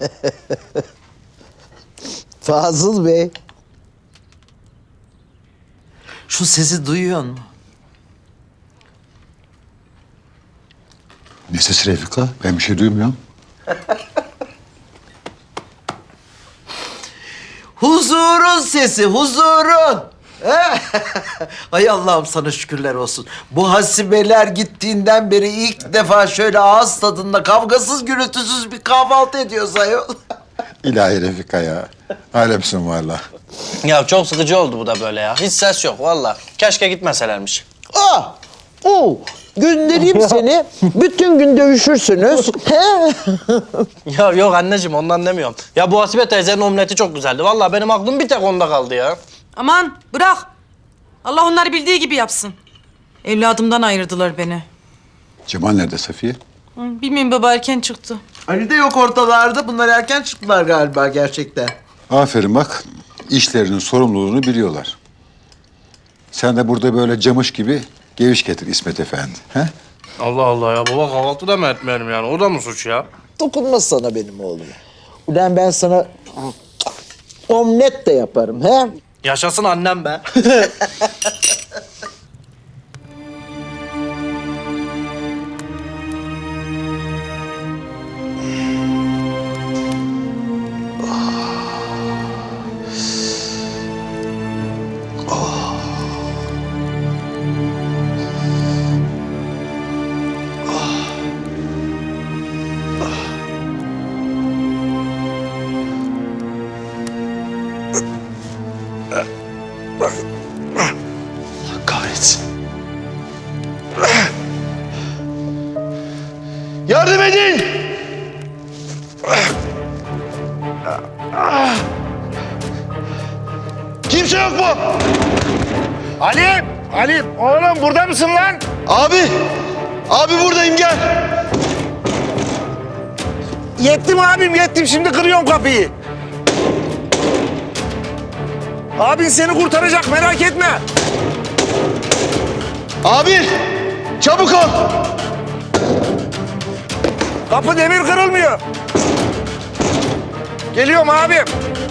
Fazıl Bey. Şu sesi duyuyor musun? Ne sesi Refika? Ben bir şey duymuyorum. Huzurun sesi, huzurun. Ay Allah'ım sana şükürler olsun. Bu hasibeler gittiğinden beri ilk defa şöyle ağız tadında kavgasız gürültüsüz bir kahvaltı ediyoruz ayol. İlahi Refika ya. Alemsin valla. Ya çok sıkıcı oldu bu da böyle ya. Hiç ses yok vallahi. Keşke gitmeselermiş. Göndereyim seni. Bütün gün dövüşürsünüz. Ya yok anneciğim ondan demiyorum. Ya bu Hasibe teyzenin omleti çok güzeldi. Vallahi benim aklım bir tek onda kaldı ya. Aman bırak. Allah onları bildiği gibi yapsın. Evladımdan ayırdılar beni. Cemal nerede Safiye? Bilmiyorum baba erken çıktı. Ali de yok ortalarda. Bunlar erken çıktılar galiba gerçekten. Aferin bak. İşlerinin sorumluluğunu biliyorlar. Sen de burada böyle camış gibi geviş getir İsmet Efendi. He? Allah Allah ya baba kahvaltı da mı etmeyelim yani? O da mı suç ya? Dokunmaz sana benim oğlum. Ulan ben sana omlet de yaparım. He? Yaşasın annem be. Kahretsin. Yardım edin! Kimse yok mu? Halim! Halim! Oğlum burada mısın lan? Abi! Abi buradayım gel. Yettim abim yettim. Şimdi kırıyorum kapıyı. Abin seni kurtaracak merak etme. Abi! Çabuk ol! Kapı demir kırılmıyor. Geliyorum abim.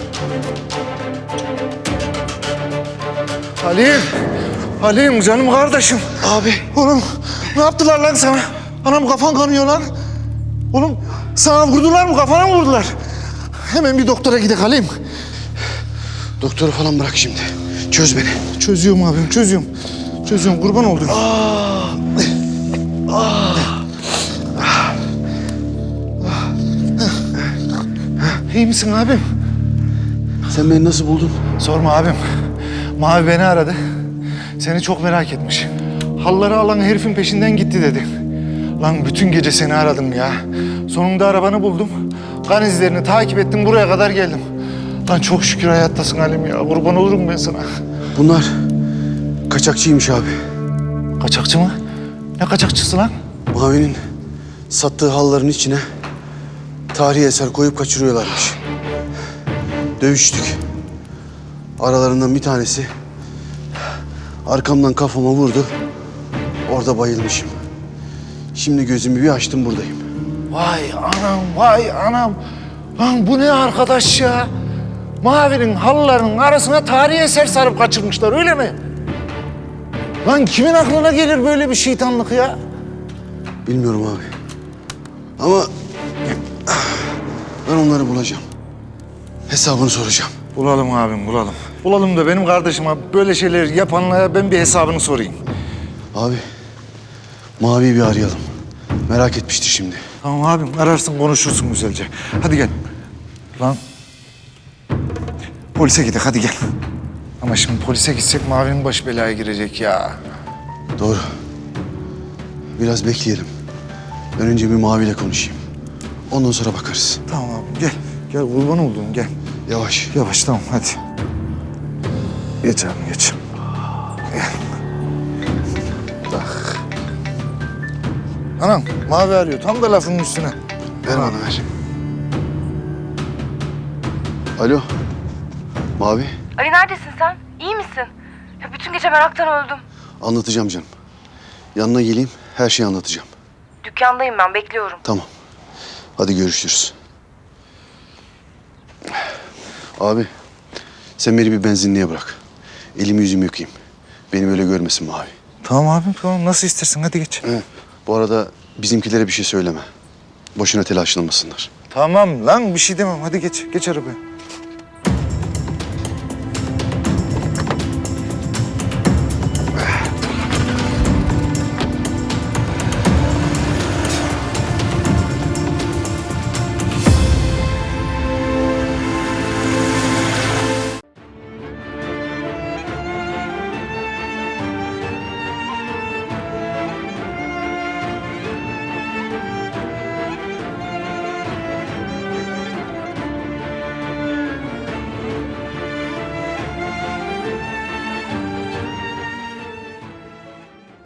Halim. Halim canım kardeşim. Abi! Oğlum ne yaptılar lan sana? Anam kafan kanıyor lan. Oğlum sana vurdular mı? Kafana mı vurdular? Hemen bir doktora gidelim Halim. Doktoru falan bırak şimdi. Çöz beni. Çözüyorum abim çözüyorum. Çözüyorum kurban oldum. İyi misin abim? Sen beni nasıl buldun? Sorma abim. Mavi beni aradı. Seni çok merak etmiş. Halları alan herifin peşinden gitti dedi. Lan bütün gece seni aradım ya. Sonunda arabanı buldum. Kan izlerini takip ettim buraya kadar geldim. Lan çok şükür hayattasın Halim ya. Kurban olurum ben sana. Bunlar kaçakçıymış abi. Kaçakçı mı? Ne kaçakçısı lan? Mavi'nin sattığı halların içine tarihi eser koyup kaçırıyorlarmış. Dövüştük. Aralarından bir tanesi arkamdan kafama vurdu. Orada bayılmışım. Şimdi gözümü bir açtım buradayım. Vay anam, vay anam. Lan bu ne arkadaş ya? Mavi'nin halılarının arasına tarihi eser sarıp kaçırmışlar öyle mi? Lan kimin aklına gelir böyle bir şeytanlık ya? Bilmiyorum abi. Ama ben onları bulacağım. Hesabını soracağım. Bulalım abim, bulalım. Bulalım da benim kardeşime böyle şeyler yapanlara ben bir hesabını sorayım. Abi, Mavi'yi bir arayalım. Merak etmiştir şimdi. Tamam abim, ararsın konuşursun güzelce. Hadi gel. Lan. Polise gidelim, hadi gel. Ama şimdi polise gitsek Mavi'nin başı belaya girecek ya. Doğru. Biraz bekleyelim. Ben önce bir Mavi'yle konuşayım. Ondan sonra bakarız. Tamam abim, gel. Gel kurban olduğum, gel. Yavaş. Yavaş, tamam hadi. Geç abim, geç. Gel. Bak. Anam, Mavi arıyor. Tam da lafının üstüne. Ver bana ver. Alo. Mavi. Ali neredesin sen? İyi misin? Ya bütün gece meraktan öldüm. Anlatacağım canım. Yanına geleyim, her şeyi anlatacağım. Dükkandayım ben, bekliyorum. Tamam. Hadi görüşürüz. Abi sen beni bir benzinliğe bırak. Elimi yüzümü yıkayayım. Beni böyle görmesin Mavi. Tamam abim tamam nasıl istersin hadi geç. He. Bu arada bizimkilere bir şey söyleme. Boşuna telaşlanmasınlar. Tamam lan bir şey demem hadi geç arabaya.